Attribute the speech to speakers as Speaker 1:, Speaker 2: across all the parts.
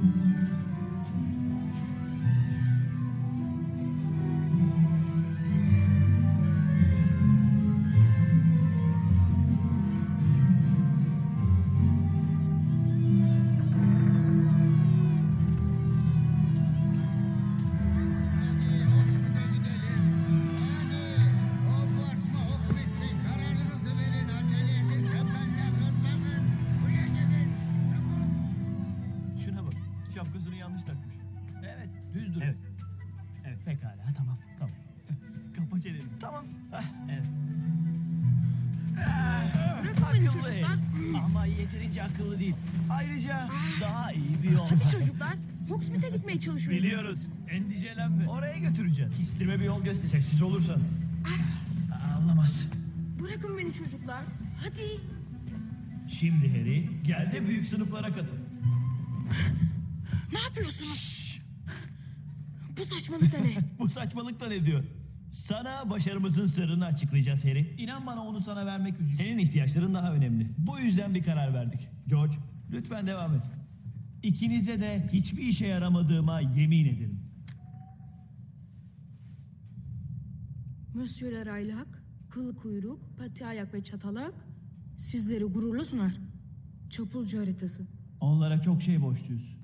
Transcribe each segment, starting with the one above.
Speaker 1: Şapkasını yanlış takmış.
Speaker 2: Evet, düz durun.
Speaker 1: Evet. Evet, pekala, tamam. Kapa çeneni.
Speaker 2: Tamam.
Speaker 1: Evet.
Speaker 3: Bırakın beni
Speaker 2: Akıllı
Speaker 3: çocuklar.
Speaker 2: ama yeterince akıllı değil. Ayrıca daha iyi bir yol
Speaker 3: Hadi
Speaker 2: var.
Speaker 3: çocuklar. Hogsmeade'e gitmeye çalışıyorum.
Speaker 1: Biliyoruz. Endişelenme.
Speaker 2: Oraya götüreceğim.
Speaker 1: Kestirme bir yol göster.
Speaker 2: Sessiz olursan. Anlamaz.
Speaker 3: Bırakın beni çocuklar. Hadi.
Speaker 1: Şimdi Harry, gel de büyük sınıflara katıl.
Speaker 3: Ne yapıyorsunuz? Bu saçmalık da ne?
Speaker 1: Bu saçmalık da ne diyor? Sana başarımızın sırrını açıklayacağız Harry. İnan bana onu sana vermek üzere. Senin ihtiyaçların daha önemli. Bu yüzden bir karar verdik. George, lütfen devam et. İkinize de hiçbir işe yaramadığıma yemin ederim.
Speaker 3: Monsieur Raylak, kıl kuyruk, pati ayak ve çatalak sizleri gururla sunar. Çapulcu haritası.
Speaker 1: Onlara çok şey borçluyuz.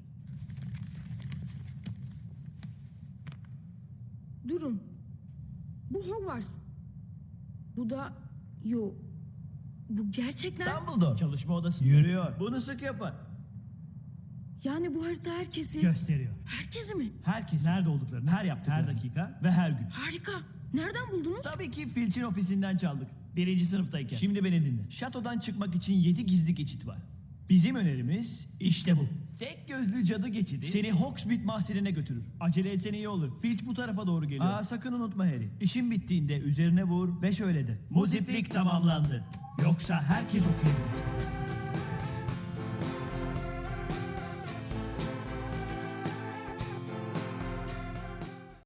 Speaker 3: Durun. Bu Hogwarts. Bu da... Yo. Bu gerçekten...
Speaker 1: Dumbledore çalışma odası yürüyor. Bunu sık yapar.
Speaker 3: Yani bu harita herkesi...
Speaker 1: Gösteriyor.
Speaker 3: Herkesi mi?
Speaker 1: Herkes nerede olduklarını, her yaptıklarını, her dakika ve her gün.
Speaker 3: Harika. Nereden buldunuz?
Speaker 1: Tabii ki Filch'in ofisinden çaldık. 1. sınıftayken. Şimdi beni dinle. Şatodan çıkmak için 7 gizli geçit var. Bizim önerimiz işte bu. Tek gözlü cadı geçidi seni Hogsmeade mahzenine götürür. Acele etsen iyi olur. Filch bu tarafa doğru geliyor. Sakın unutma Harry. İşin bittiğinde üzerine vur ve şöyle de. Muziplik tamamlandı. Yoksa herkes okuyabilir.